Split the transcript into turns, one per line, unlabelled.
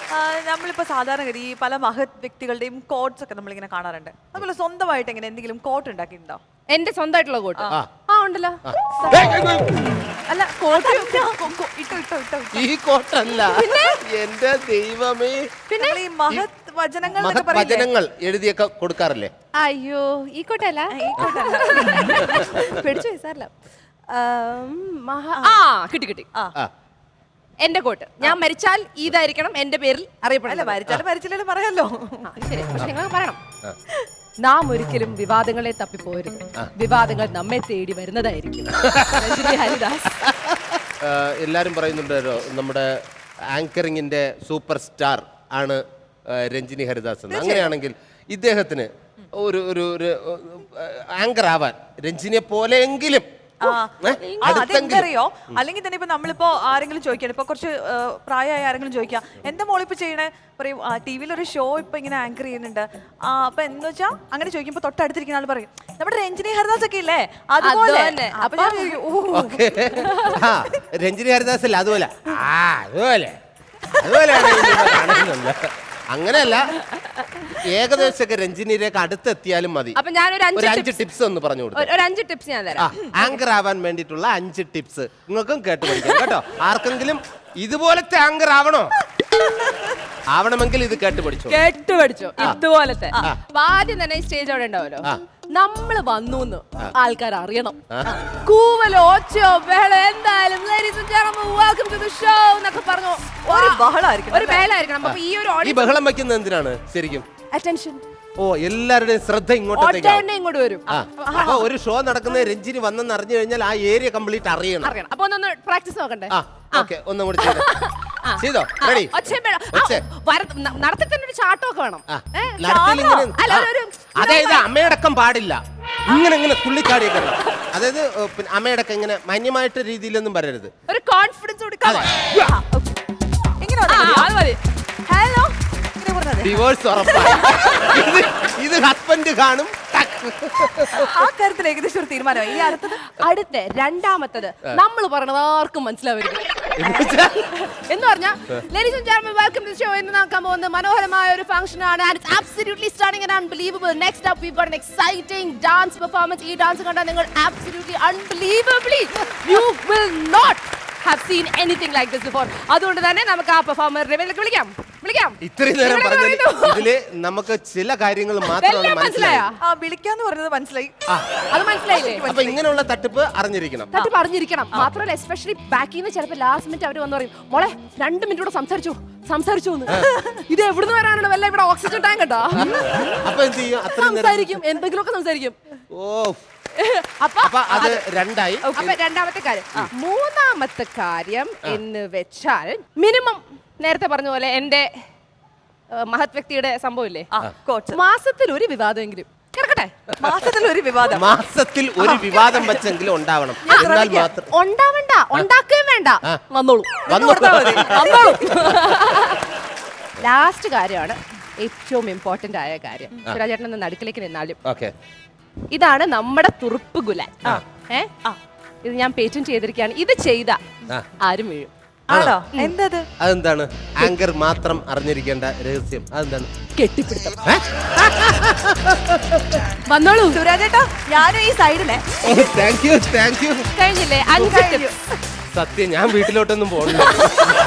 നമ്മളിപ്പോ സാധാരണഗതി ഈ പല മഹത് വ്യക്തികളുടെയും കോട്ട്സ് ഒക്കെ നമ്മളിങ്ങനെ കാണാറുണ്ട്. അതുപോലെ സ്വന്തമായിട്ട് എങ്ങനെ എന്തെങ്കിലും കോട്ട് ഉണ്ടാക്കിയിട്ടുണ്ടോ?
എന്റെ സ്വന്തമായിട്ടുള്ള കോട്ട് ഉണ്ടല്ലോ. അല്ല
ഈ കോട്ടല്ല എന്റെ ദൈവമേ.
പിന്നെ ഈ മഹത്
വചനങ്ങൾ എഴുതിയൊക്കെ കൊടുക്കാറില്ലേ?
അയ്യോ ഈ കോട്ടല്ല, ഈ കോട്ടല്ല. പിടിച്ചു സാറല്ല. കിട്ടി കിട്ടി. എന്റെ കോട്ട് ഞാൻ മരിച്ചാൽ ഇതായിരിക്കണം എന്റെ പേരിൽ അറിയപ്പെടില്ല.
മരിച്ചാലും പറയാലോ.
ശരി, പക്ഷെ നിങ്ങൾ പറയണം. നാം ഒരിക്കലും വിവാദങ്ങളെ തപ്പിപ്പോരുത്, വിവാദങ്ങൾ നമ്മെ തേടി വരുന്നതായിരിക്കും. ഹരിദാസ്.
എല്ലാരും പറയുന്നുണ്ടല്ലോ നമ്മുടെ ആങ്കറിങ്ങിന്റെ സൂപ്പർ സ്റ്റാർ ആണ് രഞ്ജിനി ഹരിദാസ് എന്ന്. അങ്ങനെയാണെങ്കിൽ ഇദ്ദേഹത്തിന് ഒരു ആങ്കർ ആവാൻ രഞ്ജിനിയെ പോലെയെങ്കിലും
അതെന്തറിയോ? അല്ലെങ്കിൽ തന്നെ ഇപ്പൊ നമ്മളിപ്പോ ആരെങ്കിലും ചോദിക്കണം, ഇപ്പൊ കുറച്ച് പ്രായമായ ആരെങ്കിലും ചോദിക്കാം, എന്താ മോളിപ്പോ ചെയ്യണേ, പറയും ടിവിയിൽ ഒരു ഷോ ഇപ്പൊ ഇങ്ങനെ ആങ്കർ ചെയ്യുന്നുണ്ട്. അപ്പൊ എന്ന് വെച്ചാ അങ്ങനെ ചോദിക്കുമ്പോ തൊട്ടടുത്തിരിക്കുന്ന ആൾ പറയും നമ്മുടെ രഞ്ജിനി ഹരിദാസ് ഒക്കെ ഇല്ലേ അതുപോലെ.
രഞ്ജിനി ഹരിദാസ് അല്ല, അതുപോലെ അതുപോലെയാണ്. അങ്ങനെയല്ല, ഏകദേശമൊക്കെ രഞ്ജിനിയിലേക്ക് അടുത്തെത്തിയാലും മതി.
അപ്പൊ ഞാനൊരു
5 ടിപ്സ് ഒന്ന് പറഞ്ഞു കൊടുത്തു.
ഒരു 5 ടിപ്സ് ഞാൻ തരാം.
ആങ്കർ ആവാൻ വേണ്ടിയിട്ടുള്ള 5 ടിപ്സ് നിങ്ങൾക്കും കേട്ട് പഠിക്കാം കേട്ടോ. ആർക്കെങ്കിലും ഇതുപോലത്തെ ആങ്കർ ആവണമെങ്കിൽ ഇത് കേട്ട് പഠിച്ചോ.
ഇതുപോലത്തെ ആദ്യം തന്നെ സ്റ്റേജ് അവിടെ ഉണ്ടാവല്ലോ, നമ്മള് വന്നു ആൾക്കാർ അറിയണം. കൂവലോ ഒച്ചയോ ബഹളോ എന്തായാലും ഒരു ബഹളായിരിക്കണം. അപ്പൊ ഈ ഒരു
ബഹളം വെക്കുന്നത് എന്തിനാണ് ശരിക്കും?
അറ്റൻഷൻ.
ഓ, എല്ലാവരുടെയും ശ്രദ്ധ
ഇങ്ങോട്ട് വരും.
അപ്പൊ ഒരു ഷോ നടക്കുന്ന രഞ്ജിനി വന്നെന്ന് അറിഞ്ഞു കഴിഞ്ഞാൽ ആ ഏരിയ കംപ്ലീറ്റ് അറിയണം.
അപ്പൊ ഒന്ന് പ്രാക്ടീസ് നോക്കണ്ടേ?
ഒന്നും കൂടി ചെയ്തോ.
നടത്തിത്തന്നെ ഒരു ചാട്ടമൊക്കെ വേണം.
അതായത് അമ്മയടക്കം പാടില്ല, ഇങ്ങനെ ഇങ്ങനെ തുള്ളിച്ചാടിയൊക്കെ. അതായത് അമ്മയടക്കം ഇങ്ങനെ മാന്യമായിട്ട് രീതിയിലൊന്നും പറയരുത്.
ഒരു കോൺഫിഡൻസ് കൊടുക്കാം.
ഹലോ,
ഡിവോഴ്സ് ഉറപ്പാണ്. ഇത് ഹസ്ബൻഡ് കാണും.
ആ കാര്യത്തിൽ ഏകദേശം ഒരു തീരുമാനമായി. ഇനി
അടുത്ത രണ്ടാമത്തത് നമ്മൾ പറയണത് ആർക്കും മനസ്സിലാവരുത് എന്ന് പറഞ്ഞാൽ ladies and gentlemen welcome to show എന്ന് നോക്കാൻ പോകുന്ന മനോഹരമായ ഒരു ഫംഗ്ഷൻ ആണ്. And it's absolutely stunning and unbelievable. Next up we got an exciting dance performance. ഈ ഡാൻസ് കണ്ടാൽ നിങ്ങൾ absolutely unbelievably you will not have seen anything like this before. അതുകൊണ്ട് തന്നെ നമുക്ക് ആ പെർഫോമറിനെ വിളിക്കാം.
ഇത്രയും നേരം പറഞ്ഞതിൽ ഇതില് നമുക്ക് ചില കാര്യങ്ങൾ മാത്രമാണ് മനസ്സിലായ.
വിളിക്കാന്ന് പറഞ്ഞത് മനസ്സിലായി.
അത് മനസ്സിലായില്ലേ?
അപ്പൊ ഇങ്ങനെയുള്ള തട്ടിപ്പ് അറിഞ്ഞിരിക്കണം.
മാത്രമല്ല എസ്പെഷ്യലി ബാക്കിൽ നിന്ന് ചിലപ്പോൾ ലാസ്റ്റ് മിനിറ്റ് അവർ വന്ന് പറയും, മോളെ 2 മിനിറ്റ് കൂടെ സംസാരിച്ചു ഇത് എവിടുന്ന് വരാനാണ്? വല്ല ഇവിടെ ഓക്സിജൻ ടാങ്ക് ഉണ്ടോ?
അപ്പൊ എന്ത് ചെയ്യും?
സംസാരിക്കും, എന്തെങ്കിലുമൊക്കെ സംസാരിക്കും.
അപ്പൊ അത് രണ്ടായി.
അപ്പൊ രണ്ടാമത്തെ കാര്യം. മൂന്നാമത്തെ കാര്യം എന്ന് വെച്ചാൽ മിനിമം നേരത്തെ പറഞ്ഞ പോലെ എന്റെ മഹത് വ്യക്തിയുടെ സംഭവം ഇല്ലേ, മാസത്തിൽ ഒരു വിവാദമെങ്കിലും കിടക്കട്ടെ.
മാസത്തിൽ ഒരു വിവാദം
വെച്ചെങ്കിലും ഉണ്ടാവണം.
ഉണ്ടാവണ്ട, ഉണ്ടാക്കുകയും വേണ്ട, വന്നോളൂ. ലാസ്റ്റ് കാര്യമാണ് ഏറ്റവും ഇമ്പോർട്ടന്റ് ആയ കാര്യം. സുരാജേട്ടൻ നടുക്കിലേക്ക് നിന്നാലും ഇതാണ് നമ്മുടെ തുറുപ്പ് ഗുലാൻ. ഇത് ഞാൻ പേറ്റന്റ് ചെയ്തിരിക്കുകയാണ്. ഇത് ചെയ്ത ആരും വീഴും.
അതെന്താണ്? ആങ്കർ മാത്രം അറിഞ്ഞിരിക്കേണ്ട രഹസ്യം അതെന്താണ്?
കെട്ടിപ്പിടുത്തം. വന്നോളൂ
സുരാജേട്ടാ, ഞാനും ഈ സൈഡിലെ.
Thank you.
കഴിഞ്ഞില്ലേ? 5
സത്യം, ഞാൻ വീട്ടിലോട്ടൊന്നും പോകണ്ട.